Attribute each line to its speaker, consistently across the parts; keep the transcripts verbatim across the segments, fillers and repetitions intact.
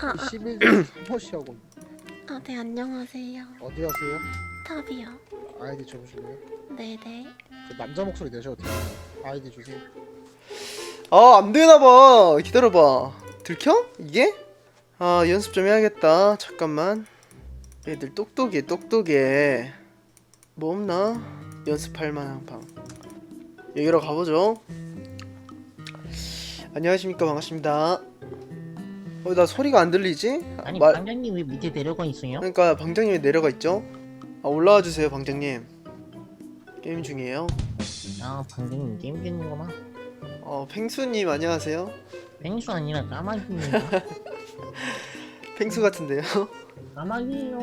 Speaker 1: 아, 아,
Speaker 2: 십일 호시하고
Speaker 1: 아, 네, 안녕하세요.
Speaker 2: 어디 하세요?
Speaker 1: 탑이요.
Speaker 2: 아이디 줘보실래요?
Speaker 1: 네네.
Speaker 2: 그 남자 목소리 내셔도 돼요. 아이디 주세요.
Speaker 3: 아 안되나봐. 기다려봐. 들켜? 이게? 아 연습 좀 해야겠다. 잠깐만. 애들 똑똑해 똑똑해. 뭐 없나? 연습할 만한 방. 여기로 가보죠. 안녕하십니까, 반갑습니다. 어, 나 소리가 안 들리지?
Speaker 4: 아니
Speaker 3: 말-
Speaker 4: 방장님 왜 밑에 내려가 있어요?
Speaker 3: 그러니까 방장님이 내려가 있죠. 아 올라와 주세요, 방장님. 게임 중이에요.
Speaker 4: 아 방장님 게임 중이구나.
Speaker 3: 어 펭수님 안녕하세요.
Speaker 4: 펭수 아니라 까마귀입니다.
Speaker 3: 펭수 같은데요.
Speaker 4: 까마귀예요.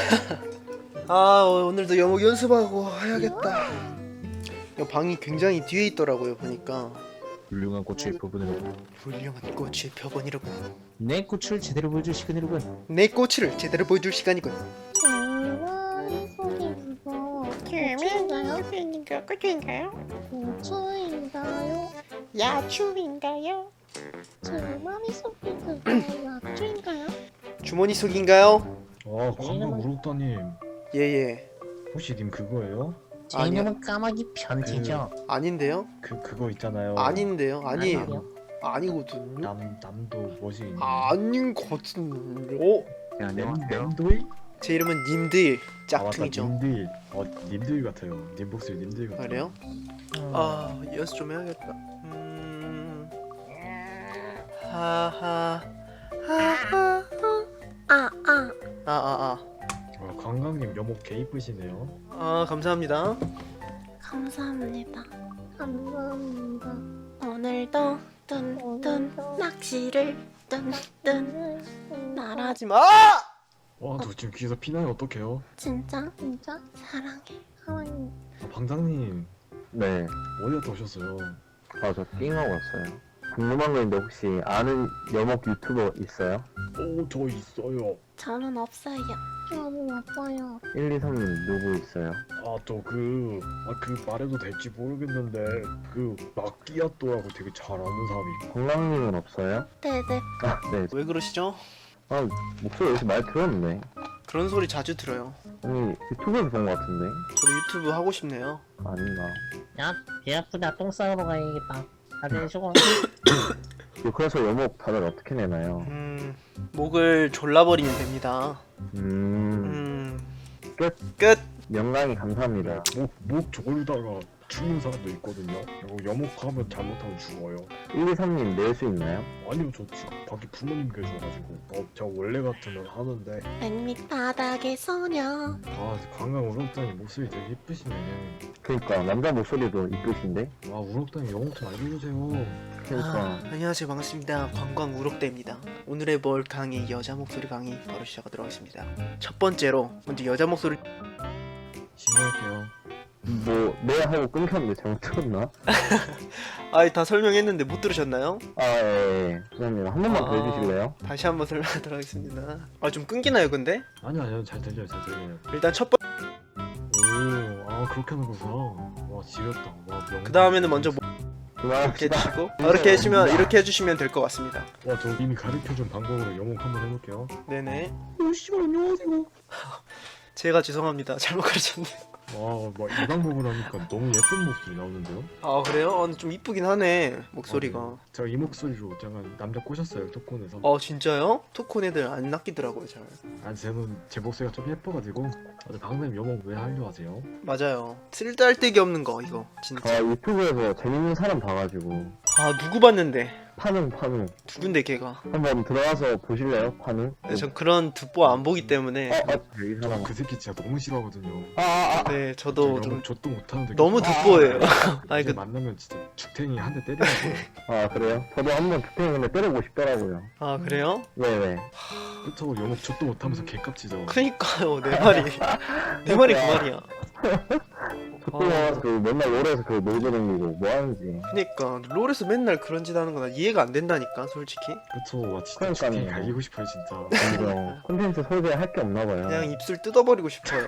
Speaker 3: 아 어, 오늘도 영어 연습하고 해야겠다. 이 방이 굉장히 뒤에 있더라고요 보니까.
Speaker 5: 훌륭한 꽃의 부분으로
Speaker 3: 훌륭한 꽃의 표본이로군.
Speaker 4: 내 꽃을 제대로 보여줄 시간이로군.
Speaker 3: 내 꽃을 제대로 보여줄 시간이군.
Speaker 6: 정말 속이 무서워. 고추인가요?
Speaker 1: 꽃인가요? 꽃인가요?
Speaker 6: 고추인가요?
Speaker 1: 야추인가요?
Speaker 6: 제 머릿속이 그거 약주인가요?
Speaker 3: 주머니 속인가요?
Speaker 5: 아 광고 우록다님
Speaker 3: 예예.
Speaker 5: 혹시 님 그거예요?
Speaker 4: 제
Speaker 3: 아니요.
Speaker 4: 이름은 까마귀 변태죠.
Speaker 3: 아닌데요?
Speaker 5: 그 그거 있잖아요
Speaker 3: 아닌데요? 아니에요.
Speaker 4: 아니요.
Speaker 3: 아니거든요.
Speaker 5: 남 남도 뭐지 있는
Speaker 3: 아닌 것 같은데. 어?
Speaker 5: 램, 램도이?
Speaker 3: 제 이름은 님들
Speaker 5: 아 맞다
Speaker 3: 짝퉁이죠.
Speaker 5: 님들 어 님들 같아요 님 목소리 님들 같아요
Speaker 3: 그래요?
Speaker 4: 음,
Speaker 3: 아 연습 좀 해야겠다. 음. 하하. 하하.
Speaker 1: 아, 아.
Speaker 3: 아, 아,
Speaker 5: 아 관광님 여목 개 이쁘시네요
Speaker 3: 아. 아, 감사합니다.
Speaker 1: 감사합니다.
Speaker 6: 감사합니다.
Speaker 1: 오늘도 뚠뚠 낚시를 뚠뚠 날아.
Speaker 3: 하지 마!
Speaker 5: 와저 지금 귀에서 피나요 어떡해요?
Speaker 1: 진짜
Speaker 6: 진짜
Speaker 1: 사랑해.
Speaker 6: 사랑해.
Speaker 5: 아 방장님
Speaker 7: 네,
Speaker 5: 어디 갔다 오셨어요?
Speaker 7: 아, 저 띵하고 왔어요. 궁금한 거 있는데 혹시 아는 여목 유튜버 있어요?
Speaker 5: 오저 있어요
Speaker 1: 저는 없어요.
Speaker 6: 저는 아파요.
Speaker 7: 일, 이, 삼님 누구 있어요?
Speaker 5: 아 저 그 아 그 말해도 될지 모르겠는데 그 마끼아또라고 되게 잘 아는 사람이 있고
Speaker 7: 건강님은 없어요?
Speaker 1: 네네.
Speaker 7: 아, 네.
Speaker 3: 왜 그러시죠?
Speaker 7: 아, 목소리 여기서 많이 들었는데.
Speaker 3: 그런 소리 자주 들어요.
Speaker 7: 아니, 유튜브에서 본 것 같은데?
Speaker 3: 저도 유튜브 하고 싶네요.
Speaker 7: 아닌가.
Speaker 4: 야배 아프다. 똥 싸우러 가야겠다. 다들 수고.
Speaker 7: 이거 그래서 여목 다들 어떻게 내나요?
Speaker 3: 음, 목을 졸라버리면 됩니다.
Speaker 7: 음,
Speaker 3: 음,
Speaker 7: 끝.
Speaker 3: 끝.
Speaker 7: 영광이 감사합니다.
Speaker 5: 목, 목 졸다가 죽는 사람도 있거든요. 이거 여목하면 잘못하면 죽어요.
Speaker 7: 일, 이, 삼님 낼 수 있나요?
Speaker 5: 아니요, 저 지금 밖에 부모님 계셔가지고. 어, 저 원래 같으면 하는데.
Speaker 1: 맨밑 바닥의 소녀.
Speaker 5: 아, 관광 우럭다니 목소리 되게 예쁘시네.
Speaker 7: 그니까, 남자 목소리도 이쁘신데?
Speaker 5: 와, 우럭다니 영어 좀 알려주세요.
Speaker 7: 그니까.
Speaker 3: 아, 안녕하세요, 반갑습니다. 관광 우럭대입니다. 오늘의 뭘 강의 여자 목소리 강의 바로 시작하도록 하겠습니다. 첫 번째로 먼저 여자 목소리.
Speaker 5: 신고할게요.
Speaker 7: 뭐, 네 하고 끊겼는데 잘못 들었나?
Speaker 3: 아이 다 설명했는데 못 들으셨나요?
Speaker 7: 아, 예, 예. 죄송합니다. 한 번만 더
Speaker 3: 아.
Speaker 7: 해주실래요?
Speaker 3: 다시 한번 설명하도록 하겠습니다. 아 좀 끊기나요, 근데?
Speaker 5: 아니요, 아니요, 잘 들려요, 잘 들려요.
Speaker 3: 일단 첫 번.
Speaker 5: 오, 아, 그렇게 하는구나. 와, 지렸다. 와, 명.
Speaker 3: 그 다음에는 먼저 뭐 이렇게
Speaker 7: 그만합시다.
Speaker 3: 해주시고 아, 이렇게 해주시면 이렇게 해주시면 될 것 같습니다.
Speaker 5: 와, 저 이미 가르쳐준 방법으로 영어 한번 해볼게요.
Speaker 3: 네네.
Speaker 5: 오, 씨발, 안녕하세요.
Speaker 3: 제가 죄송합니다. 잘못 가르쳤네요.
Speaker 5: 와, 막 이 방법을 하니까 너무 예쁜 목소리 나오는데요?
Speaker 3: 아 그래요? 어, 근데 좀 이쁘긴 하네 목소리가.
Speaker 5: 아, 네. 제가 이 목소리로 잠깐 남자 꼬셨어요, 토콘에서.
Speaker 3: 어 진짜요? 토콘 애들 안 낚이더라고요 잘.
Speaker 5: 아니, 쟤는 제 목소리가 좀 예뻐가지고. 아, 방금 여목 왜 하려 하세요?
Speaker 3: 맞아요. 쓸데할데기 없는 거 이거
Speaker 7: 아,
Speaker 3: 진짜.
Speaker 7: 유튜브에서 재밌는 사람 봐가지고.
Speaker 3: 아 누구 봤는데?
Speaker 7: 파는, 파는.
Speaker 3: 누군데 걔가?
Speaker 7: 한번 들어가서 보실래요? 파는?
Speaker 3: 네, 전 그런 듣보 안 보기 때문에.
Speaker 7: 어, 어, 이
Speaker 5: 저
Speaker 7: 사람.
Speaker 5: 그 새끼 진짜 너무 싫어하거든요.
Speaker 7: 아, 아, 아.
Speaker 3: 네
Speaker 5: 저
Speaker 3: 저도
Speaker 5: 영어
Speaker 3: 좀
Speaker 5: 좆도 못하는데.
Speaker 3: 너무 듣보예요. 아니
Speaker 5: 이제
Speaker 3: 그
Speaker 5: 만나면 진짜 죽탱이 한 대 때리라고요.
Speaker 7: 아, 그래요? 저도 한번 주택인데 때리고 싶더라고요.
Speaker 3: 아 그래요?
Speaker 7: 네네.
Speaker 5: 그렇다고 영업 좆도 못하면서 개깝치죠.
Speaker 3: 그니까요 내 말이 내 말이 그 말이야.
Speaker 7: 저도 그 맨날 롤에서 그 놀고 다니고 뭐 하는지.
Speaker 3: 그니까 롤에서 맨날 그런 짓 하는 거 나 이해가 안 된다니까 솔직히.
Speaker 5: 그쵸, 와 진짜
Speaker 7: 그러니까요.
Speaker 5: 죽탱이 갈기고 싶어요 진짜.
Speaker 7: 이거 콘텐츠 소개할 게 없나 봐요.
Speaker 3: 그냥 입술 뜯어버리고 싶어요.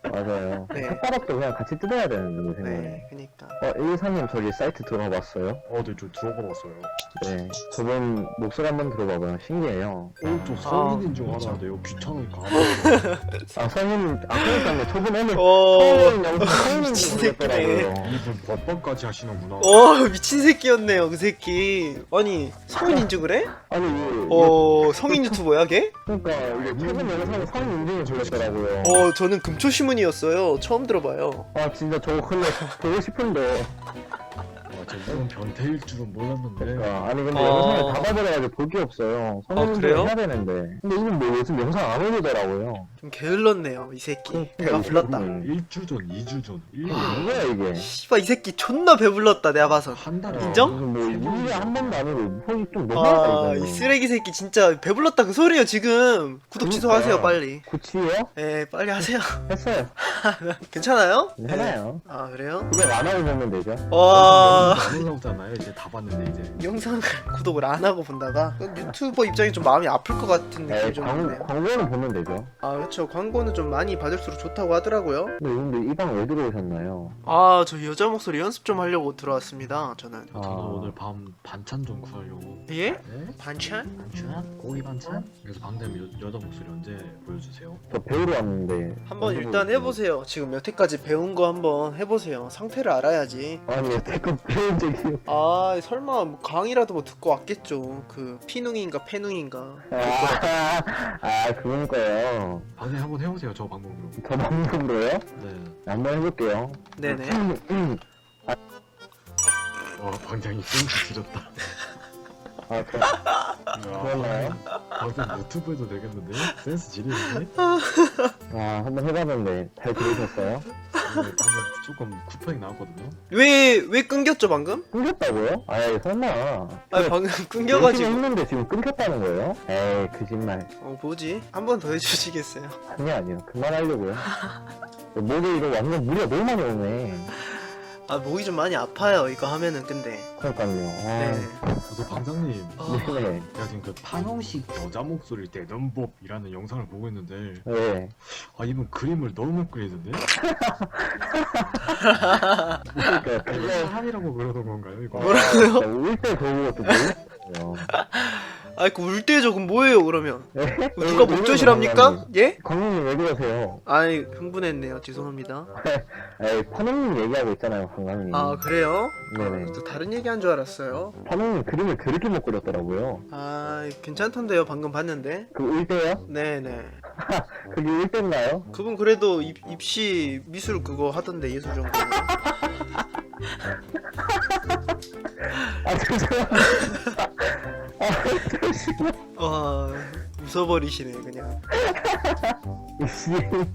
Speaker 7: 맞아요.
Speaker 3: 네.
Speaker 7: 혓바닥도 그냥 같이 뜯어야 되는데, 내 생각에.
Speaker 3: 네, 그니까.
Speaker 7: 어, 일사님 저기 사이트 들어봤어요?
Speaker 5: 어, 네, 좀 들어봐봤어요.
Speaker 7: 네. 저분 목소리 한번 들어봐봐요. 신기해요.
Speaker 5: 어, 저 성인인 줄 알았는데요. 귀찮으니까.
Speaker 7: 아, 성인, 아, 그러니까요. 저분 오늘
Speaker 3: 어,
Speaker 7: 성인 영상 성인인
Speaker 3: 미친
Speaker 7: 줄 몰랐더라고요.
Speaker 5: 이분 몇 번까지 하시는구나.
Speaker 3: 어, 미친 새끼였네요, 그 새끼. 아니, 성인 인증을 해?
Speaker 7: 아니, 이게,
Speaker 3: 어, 성인 유튜버야, 걔?
Speaker 7: 그러니까 이게 최근 영상에 성인 인증이 걸렸더라고요.
Speaker 3: 어, 저는 금초시문이었어요. 처음 들어봐요.
Speaker 7: 아, 진짜 저거 근데 보고 싶은데.
Speaker 5: 아, 저 이건 변태일 줄은 몰랐는데.
Speaker 7: 그러니까 아니 근데
Speaker 3: 어.
Speaker 7: 영상을 다 봐버려가지고 볼 게 없어요. 성인
Speaker 3: 아,
Speaker 7: 인증
Speaker 3: 그래요?
Speaker 7: 해야 되는데. 근데 이분 뭐 요즘 영상 안 올리더라고요.
Speaker 3: 좀 게을렀네요, 이 새끼. 배가
Speaker 7: 이거
Speaker 3: 불렀다.
Speaker 7: 음.
Speaker 5: 일 주 전, 이 주 전, 일 년
Speaker 7: 아, 뭐야 이게?
Speaker 3: 씨발, 이 새끼 존나 배불렀다, 내가 봐서.
Speaker 5: 한 달에
Speaker 3: 인정?
Speaker 7: 무슨 뭐 일주일에 한 번도 아니고 거의 좀 너무하다
Speaker 3: 아,
Speaker 7: 이거는.
Speaker 3: 이 쓰레기 새끼 진짜 배불렀다 그 소리예요, 지금. 구독 취소하세요, 빨리.
Speaker 7: 구치요?
Speaker 3: 예, 빨리 하세요.
Speaker 7: 했어요.
Speaker 3: 괜찮아요?
Speaker 7: 괜찮아요.
Speaker 3: 아, 그래요?
Speaker 7: 그냥 안 하고 보면 되죠.
Speaker 3: 와.
Speaker 5: 안 올라오잖아요. 이제 다 봤는데 이제.
Speaker 3: 영상을 구독을 안 하고 본다가 유튜버 입장이 좀 마음이 아플 것 같은
Speaker 7: 네,
Speaker 3: 느낌이 좀
Speaker 7: 광,
Speaker 3: 드네요.
Speaker 7: 광고는 보면 되죠.
Speaker 3: 아, 그렇죠. 광고는 좀 많이 받을수록 좋다고 하더라고요.
Speaker 7: 근데 근데 이 방 왜 들어오셨나요?
Speaker 3: 아, 저 여자 목소리 연습 좀 하려고 들어왔습니다. 저는.
Speaker 7: 아.
Speaker 5: 저는 오늘 밤 반찬 좀 구하려고.
Speaker 3: 예?
Speaker 5: 네?
Speaker 3: 반찬?
Speaker 5: 반찬? 고기 반찬? 그래서 방금 여, 여자 목소리 언제 보여주세요?
Speaker 7: 저 배우러 왔는데.
Speaker 3: 한번
Speaker 7: 어디
Speaker 3: 일단
Speaker 7: 보여주세요?
Speaker 3: 해보세요. 지금 여태까지 배운 거 한번 해보세요. 상태를 알아야지.
Speaker 7: 아니 여태껏 배운 적이.
Speaker 3: 아, 설마 뭐 강의라도 뭐 듣고 왔겠죠. 그 피능인가 패능인가.
Speaker 7: 아, 아 그러니까요.
Speaker 5: 방금 한번 해보세요. 저 방법으로.
Speaker 7: 저 방송으로요?
Speaker 5: 네.
Speaker 7: 한번 해볼게요.
Speaker 3: 네네.
Speaker 5: 와, 방장이 센스 지렸다.
Speaker 7: 아, 저,
Speaker 5: 야,
Speaker 7: 그러나요?
Speaker 5: 방금 유튜브에도 되겠는데? 센스 지리는데?
Speaker 7: 아, 한번 해봤는데 잘 들으셨어요?
Speaker 5: 방금 조금 쿠팡이 나왔거든요?
Speaker 3: 왜, 왜 끊겼죠, 방금?
Speaker 7: 끊겼다고요? 아이 설마.
Speaker 3: 아, 방금
Speaker 7: 열심히
Speaker 3: 끊겨가지고.
Speaker 7: 했는데 지금 끊겼다는 거예요? 에이 거짓말.
Speaker 3: 어, 뭐지? 한 번 더 해주시겠어요?
Speaker 7: 아니요 아니요 그만하려고요. 목에 이거 완전 무리가 너무 많이 오네.
Speaker 3: 아, 목이 좀 많이 아파요, 이거 하면은, 근데.
Speaker 7: 그러니까요.
Speaker 3: 네.
Speaker 7: 아,
Speaker 5: 그래서 방장님,
Speaker 3: 어,
Speaker 7: 네.
Speaker 5: 제가 지금 그 판홍식 여자 목소리 내는 법이라는 영상을 보고 있는데,
Speaker 7: 네.
Speaker 5: 아, 이분 그림을 너무 그리는데?
Speaker 7: 그러니까
Speaker 5: 이거
Speaker 7: 그거
Speaker 5: 사람이라고 그러는 건가요, 이거?
Speaker 3: 뭐라고요?
Speaker 7: 울때 저거 또 모르겠어요.
Speaker 3: 아, 그 울 때 저건 뭐예요, 그러면?
Speaker 7: 네?
Speaker 3: 그 누가 목조실합니까? 예?
Speaker 7: 광님님 왜 그러세요?
Speaker 3: 아이, 흥분했네요. 죄송합니다.
Speaker 7: 에이 파농님 얘기하고 있잖아요 광광님.
Speaker 3: 아, 그래요?
Speaker 7: 네네.
Speaker 3: 또 다른 얘기 한 줄 알았어요.
Speaker 7: 파농님 그림을 그렇게 못 그렸더라고요.
Speaker 3: 아, 괜찮던데요. 방금 봤는데.
Speaker 7: 그 울때요?
Speaker 3: 네네.
Speaker 7: 그게 울때인가요?
Speaker 3: 그분 그래도 입, 입시 미술 그거 하던데, 예술 전공.
Speaker 7: 아 죄송합니다. 아 잠시만.
Speaker 3: 와, 웃어버리시네, 그냥.
Speaker 7: 씨.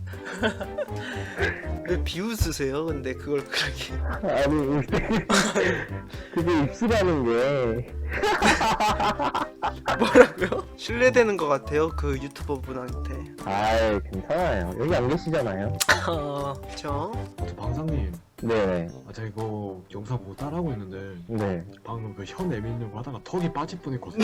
Speaker 3: 왜 비웃으세요? 근데 그걸 그렇게.
Speaker 7: 아니 울때 그게 입시라는 게.
Speaker 3: 뭐라고요? 신뢰되는 것 같아요, 그 유튜버 분한테.
Speaker 7: 아이 괜찮아요. 여기 안 계시잖아요.
Speaker 3: 어, 그쵸?
Speaker 5: 저 방장님,
Speaker 7: 네네.
Speaker 5: 아, 제가 이거 영상 보고 따라하고 있는데,
Speaker 7: 네.
Speaker 5: 방금 그 혀 내밀려고 하다가 턱이 빠질 뻔했거든요.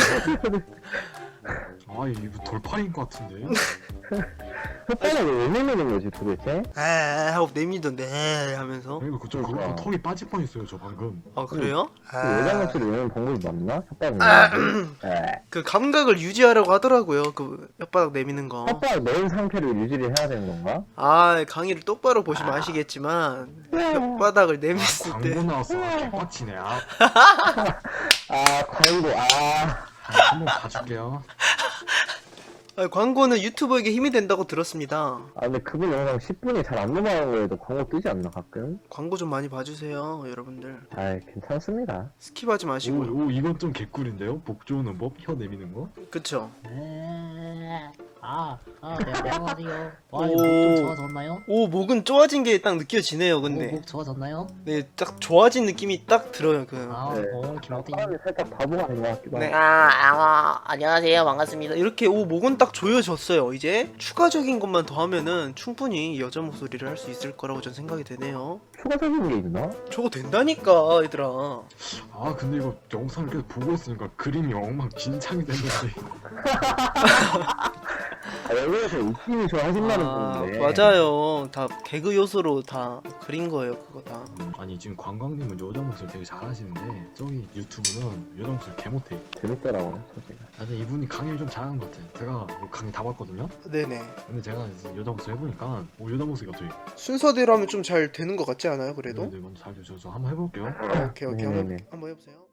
Speaker 5: 아, 이거 돌팔인 것 같은데?
Speaker 7: 혓바닥을 왜 내미는 거지 도대체?
Speaker 3: 아, 하고 내미던데, 에 하면서.
Speaker 5: 그러니까 그쪽 그렇고
Speaker 7: 그러니까.
Speaker 5: 턱이 빠질 뻔했어요, 저 방금.
Speaker 3: 아, 그래요?
Speaker 7: 그 여자
Speaker 3: 아,
Speaker 7: 목소리 내는 방법이 맞나? 혓바닥
Speaker 3: 아,
Speaker 7: 내미는 게? 네.
Speaker 3: 그 감각을 유지하라고 하더라고요, 그 혓바닥 내미는 거.
Speaker 7: 혓바닥 내은 상태를 유지를 해야 되는 건가?
Speaker 3: 아, 강의를 똑바로 보시면 아시겠지만 혓바닥을 내밀었을 때
Speaker 5: 광고 나왔어. 아, 개빡치네. 아,
Speaker 7: 아 광고 아.
Speaker 5: 아, 한번 봐줄게요.
Speaker 3: 아, 광고는 유튜버에게 힘이 된다고 들었습니다.
Speaker 7: 아 근데 그분 영상 십 분이 잘 안 넘어가는 거에도 광고 뜨지 않나 가끔?
Speaker 3: 광고 좀 많이 봐주세요, 여러분들.
Speaker 7: 아이 괜찮습니다.
Speaker 3: 스킵하지
Speaker 5: 오,
Speaker 3: 마시고요.
Speaker 5: 오, 이건 좀 개꿀인데요? 복 좋은 법? 혀 내미는 거?
Speaker 3: 그쵸?
Speaker 4: 네. 아, 아, 네, 안녕하세요. 와,
Speaker 3: 오.
Speaker 4: 목좀 좋아졌나요?
Speaker 3: 오, 목은 좋아진 게 딱 느껴지네요,
Speaker 4: 오,
Speaker 3: 근데.
Speaker 4: 목 좋아졌나요?
Speaker 3: 네, 딱 좋아진 느낌이 딱 들어요, 그.
Speaker 4: 아,
Speaker 7: 네.
Speaker 4: 어, 김어ting.
Speaker 7: 사람이 살짝 바보가 아닌 것 같기도
Speaker 3: 네,
Speaker 7: 하고.
Speaker 3: 아, 아, 안녕하세요, 반갑습니다. 이렇게 오, 목은 딱 조여졌어요. 이제 추가적인 것만 더 하면은 충분히 여자 목소리를 할 수 있을 거라고 전 생각이 되네요.
Speaker 7: 추가적인 게 있나?
Speaker 3: 저거 된다니까, 얘들아.
Speaker 5: 아, 근데 이거 영상을 계속 보고 있으니까 그림이 엉망진창이 됐는데.
Speaker 7: 아, 여기에서 웃김이 좋아하신다는
Speaker 3: 아,
Speaker 7: 분인데.
Speaker 3: 맞아요. 다 개그 요소로 다 그린 거예요, 그거 다.
Speaker 5: 음, 아니 지금 관광님은 여자 목소리 되게 잘하시는데 저기 유튜브는 여자 목소리 개 못해.
Speaker 7: 재밌더라고요, 소리가.
Speaker 5: 아니 이분이 강의를 좀 잘하는 것 같아. 제가 뭐 강의 다 봤거든요.
Speaker 3: 네네.
Speaker 5: 근데 제가 이제 여자 목소리 해보니까 오 여자 목소리 갑자기.
Speaker 3: 순서대로 하면 좀 잘 되는 것 같지 않아요, 그래도?
Speaker 5: 네, 네, 먼저 잘 주셔서 한번 해볼게요.
Speaker 3: 오케이, 오케이.
Speaker 7: 네네네.
Speaker 3: 한번, 한번 해보세요.